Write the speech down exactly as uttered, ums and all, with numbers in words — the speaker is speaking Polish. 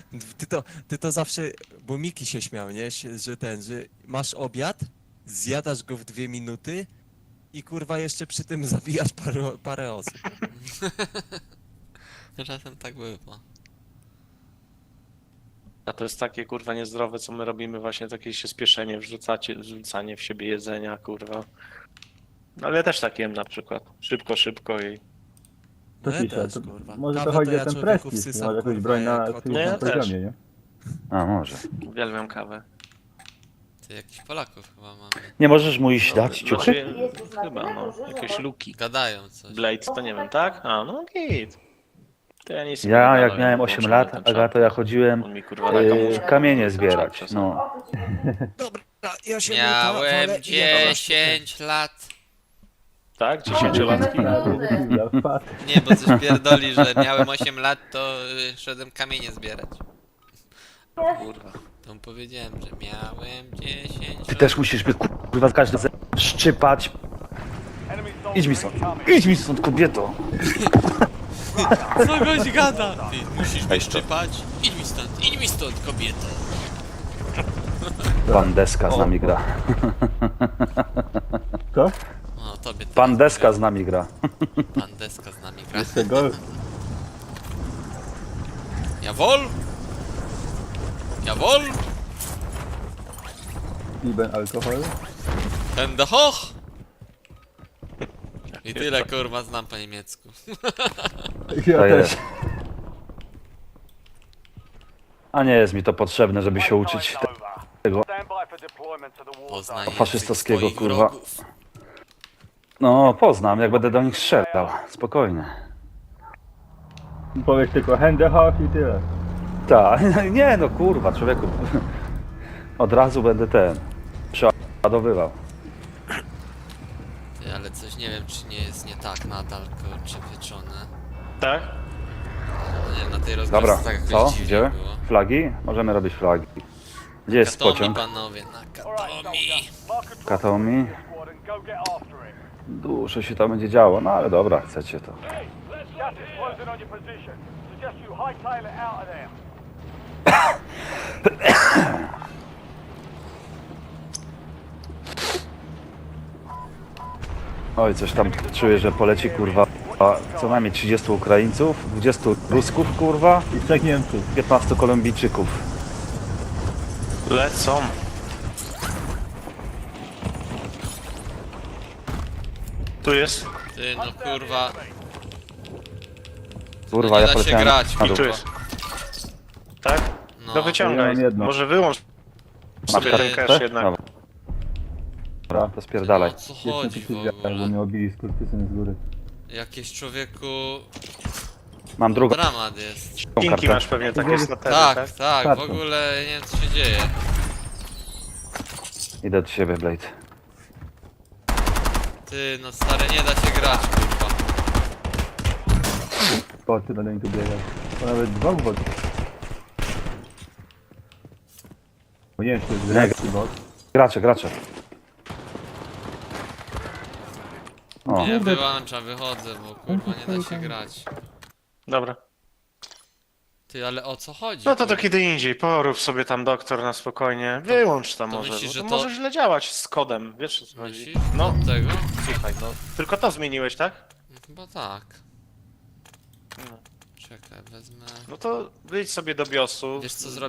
Ty to, ty to zawsze, bo Miki się śmiał, nie? Się- Że ten, że masz obiad, zjadasz go w dwie minuty i kurwa jeszcze przy tym zabijasz parę, parę osób. Czasem tak bywa. A to jest takie kurwa niezdrowe, co my robimy, właśnie takie się spieszenie, wrzucacie, wrzucanie w siebie jedzenia, kurwa. Ale ja też tak jem na przykład. Szybko, szybko i... To No ja ciszę, też, to kurwa. może to Kawę chodzi ja o ten człowieku prestiż, wsysam, masz jakąś kurwa, broń na jak od- psychicznym No ja też. poziomie, nie? A, może. Uwielbiam kawę. Ty jakichś Polaków chyba mamy. Nie możesz mu iść dać ciuchy? Znaczy, chyba, no. Jakieś luki. Gadają coś. Blade to nie wiem, tak? A, no git. To ja nic nie Ja będę jak gadał, miałem ja osiem włączam lat, ten czat. Agato, ja chodziłem On mi kurwa na yy, kamużkę. kamienie zbierać. No. Dobra, ja się Miałem dziesięć lat. Tak? Dziesięciolatki? Ja wpadł. Nie, bo coś pierdoli, że miałem osiem lat, to y, szedłem kamienie zbierać. Kurwa. To mu powiedziałem, że miałem dziesięć Ty lat. też musisz mnie kurwa każdy ze- szczypać. Idź mi stąd. Idź mi stąd, kobieto. Co goś gada? Ty musisz mnie szczypać? Idź mi stąd, idź mi stąd, kobieto. Pan Deska z nami gra. Co? O, tobie teraz Pan Deska powiem. z nami gra. Pan Deska z nami gra. Tego? Jawol! Jawol! Lieben alkohol? Hände hoch! I tyle kurwa znam po niemiecku. Ja To też. jest. A nie jest mi to potrzebne, żeby się uczyć tego Poznaj faszystowskiego, język swoich kurwa. wrogów. No, poznam, jak będę do nich strzelał. Spokojnie. Powiesz tylko Hände i tyle. Tak, nie no kurwa, człowieku. Od razu będę ten przeładowywał. Ty, ale coś nie wiem, czy nie jest nie tak nadal, kurczę, pieczone. Tak? No nie wiem, na tej Dobra, rozgrywce tak jakoś co? dziwnie Gdzie? było. Flagi? Możemy robić flagi. Gdzie jest Katomi, pociąg? panowie, na Katomi. Katomi? Dużo się tam będzie działo, no ale dobra, chcecie to. Oj, coś tam czuję, że poleci kurwa. A co najmniej trzydziestu Ukraińców, dwudziestu Rusków kurwa, I trzech Niemców. piętnastu Kolumbijczyków. Lecą. Tu jest. Ty, no kurwa, Kurwa, nie ja da się poleciałem grać, na I dół. tu jest. Tak? no. To wyciągaj. Ja mam jedno. Może wyłącz sobie Masz ten kartę? cache jednak. Dobra, to No, spierdalaj. o co Jestem chodzi w przeciwdziałek, bo ogóle? mnie obili skurwysyn z góry. Jakieś człowieku... Mam drugą Dramat jest. Kinki kartę. masz pewnie takie snatery, Tak, tak? tak, w Kartą. ogóle nie wiem co się dzieje. Idę do ciebie, Blade. Ty, no stary, nie da się grać, kurwa. Boty będą mi tu biegać. To nawet dwóch botów. Bo nie wiem, czy to jest grecki bot. Gracze, gracze. O, Nie, wyłączam, wychodzę, bo kurwa nie da się grać. Dobra. Ty, ale o co chodzi? No to to kurwa? kiedy indziej. Porób sobie tam doktor na spokojnie. Wyłącz tam to może. myślisz, bo że to to- może źle działać z kodem. Wiesz o co chodzi? Myślisz? No, Od tego? słuchaj, no. Tylko to zmieniłeś, tak? No, chyba tak. No. Czekaj, wezmę... No to wyjdź sobie do biosu. Wiesz co zrobię?